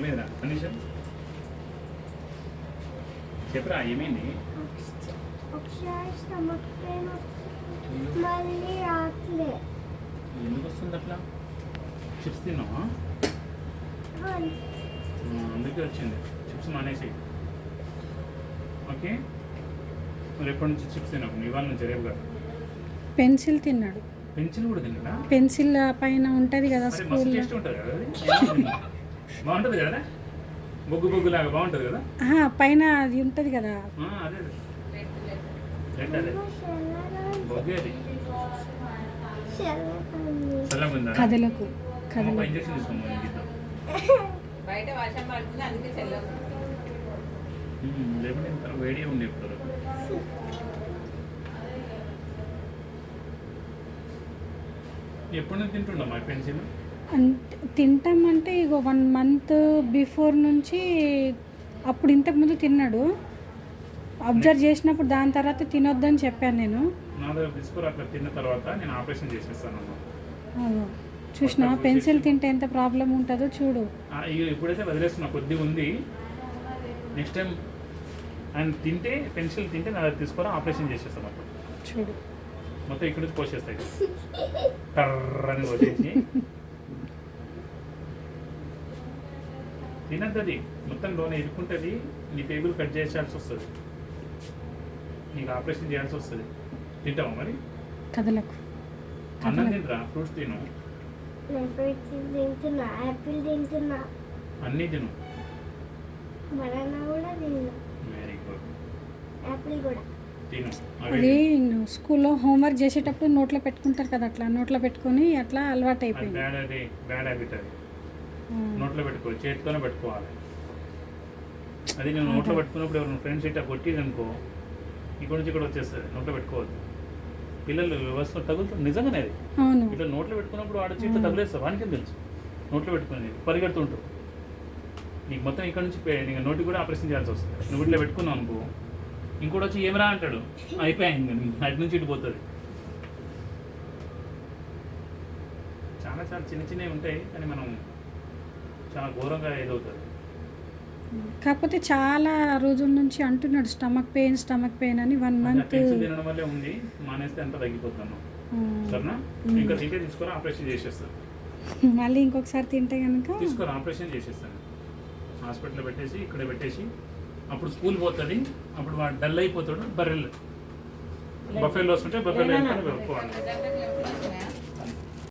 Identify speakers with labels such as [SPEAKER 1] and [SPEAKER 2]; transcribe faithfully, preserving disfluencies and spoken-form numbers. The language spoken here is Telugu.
[SPEAKER 1] ఏమైందిరా కండిషన్ చెప్పరా ఏమైంది?
[SPEAKER 2] ఒకసారి స్టమక్ పెయిన్ మళ్ళీ రాట్లే.
[SPEAKER 1] ఎందుకు వస్తుంది అట్లా? చిప్స్ తిన్నావా? అందుకే వచ్చింది. చిప్స్ మానేసి ఓకే. రేపటి నుంచి చిప్స్ తినకు, ఇవాళ నుంచి రేపు కాదు.
[SPEAKER 3] పెన్సిల్ తిన్నాడు.
[SPEAKER 1] పెన్సిల్ కూడా తిన్నాడా?
[SPEAKER 3] పెన్సిల్ పైన ఉంటుంది కదా స్కూల్.
[SPEAKER 1] టేస్ట్ ఉంటుంది కదా అది, బాగుంటుంది కదా, బొగ్గు బొగ్గు లాగా బాగుంటుంది కదా
[SPEAKER 3] పైన అది ఉంటుంది కదా.
[SPEAKER 1] అదే రెడ్ అదే బొగ్గే అది. చల్లగుందా?
[SPEAKER 3] కథలకు కథలకు
[SPEAKER 1] ఇంజక్షన్ తీసుకోమని గీద్దాం.
[SPEAKER 4] బయట వర్షం పడుతుంది అందుకే చల్లగా
[SPEAKER 1] లేకుంటే ఇంత వేడి ఉండే ఇప్పుడు. ఎప్పుడు నుంచి తింటుండ మా పెన్సిల్?
[SPEAKER 3] అంటే తింటామంటే ఇక వన్ మంత్ బిఫోర్ నుంచి అప్పుడు ఇంతకుముందు తిన్నాడు. అబ్జర్వ్ చేసినప్పుడు దాని తర్వాత తినొద్దని చెప్పాను నేను.
[SPEAKER 1] నా దగ్గర తీసుకురా, అట్లా తిన్న తర్వాత నేను ఆపరేషన్ చేసేస్తాను అమ్మా.
[SPEAKER 3] చూసినా పెన్సిల్ తింటే ఎంత ప్రాబ్లం ఉంటుందో చూడు.
[SPEAKER 1] ఇప్పుడైతే వదిలేస్తున్నా, కొద్దిగా ఉంది. నెక్స్ట్ టైం ఆయన తింటే పెన్సిల్ తింటే నా దగ్గర తీసుకురా, ఆపరేషన్ చేసేస్తాను అప్పుడు
[SPEAKER 3] చూడు.
[SPEAKER 1] మొత్తం ఇక్కడ నుంచి పోసేస్తాయి కర్రని వచ్చేసి. తినద్దు అది, మొత్తం లోన ఇరుక్కుంటుంది. నీ టేబుల్ కట్ చేయాల్సి వస్తుంది, నీకు ఆపరేషన్ చేయాల్సి వస్తుంది. తింటావా మరి?
[SPEAKER 3] కథలకు
[SPEAKER 1] అన్నం తింటరా, ఫ్రూట్స్ తిను,
[SPEAKER 2] తింటున్నా, యాపిల్ తింటున్నా,
[SPEAKER 1] అన్నీ తిను.
[SPEAKER 2] బనానా కూడా తిన్నా,
[SPEAKER 1] వెరీ గుడ్.
[SPEAKER 2] యాపిల్ కూడా
[SPEAKER 1] తిను.
[SPEAKER 3] అది స్కూల్లో హోంవర్క్ చేసేటప్పుడు నోట్లో పెట్టుకుంటారు కదా, అట్లా నోట్లో పెట్టుకొని అట్లా అలవాటు అయిపోయింది.
[SPEAKER 1] బ్యాడ్ అది, బ్యాడ్ హ్యాబిట్ అది. నోట్లో పెట్టుకో, చేతితోనే పెట్టుకోవాలి. అది నేను నోట్లో పెట్టుకున్నప్పుడు ఎవరైనా ఫ్రెండ్స్ ఇట్లా కొట్టిది అనుకో, ఇక్కడ నుంచి ఇక్కడ వచ్చేస్తుంది. నోట్లో పెట్టుకోవద్దు. పిల్లలు వ్యవస్థ తగులుతుంది నిజంగానే. అది
[SPEAKER 3] అవును,
[SPEAKER 1] ఇట్లా నోట్లో పెట్టుకున్నప్పుడు వాడొచ్చి ఇట్లా తగిలేస్తారు. వానికి తెలుసు నోట్లో పెట్టుకునేది, పరిగెడుతుంటావు. నీకు మొత్తం ఇక్కడ నుంచి నీకు నోటికి కూడా ఆపరేషన్ చేయాల్సి వస్తుంది. నువ్వు ఇట్లా పెట్టుకున్నావు అనుకో, ఇంకోటి వచ్చి ఏమరా అంటాడు, అయిపోయింది, అటు నుంచి ఇటు పోతుంది. చాలా చాలా చిన్న చిన్నవి ఉంటాయి, కానీ మనం చాలా ఘోరంగా ఏదవుతుంది.
[SPEAKER 3] కాకపోతే చాలా రోజుల నుంచి అంటున్నాడు స్టమక్ పెయిన్ స్టమక్ పెయిన్ అని. వన్ మంత్
[SPEAKER 1] తినడం వల్లే ఉంది, మానేస్తే అంతా తగ్గిపోతాను. సరేనా? ఇంకా తింటే తీసుకొని ఆపరేషన్ చేసేస్తాను.
[SPEAKER 3] మళ్ళీ ఇంకొకసారి తింటే కనుక
[SPEAKER 1] తీసుకొని ఆపరేషన్ చేసేస్తాను. హాస్పిటల్లో పెట్టేసి ఇక్కడ పెట్టేసి అప్పుడు స్కూల్ పోతుంది. అప్పుడు వాడు డల్ అయిపోతాడు. బర్రెలు బఫెల్లో వస్తుంటే బఫెల్లో వెళ్ళిపోవాలి.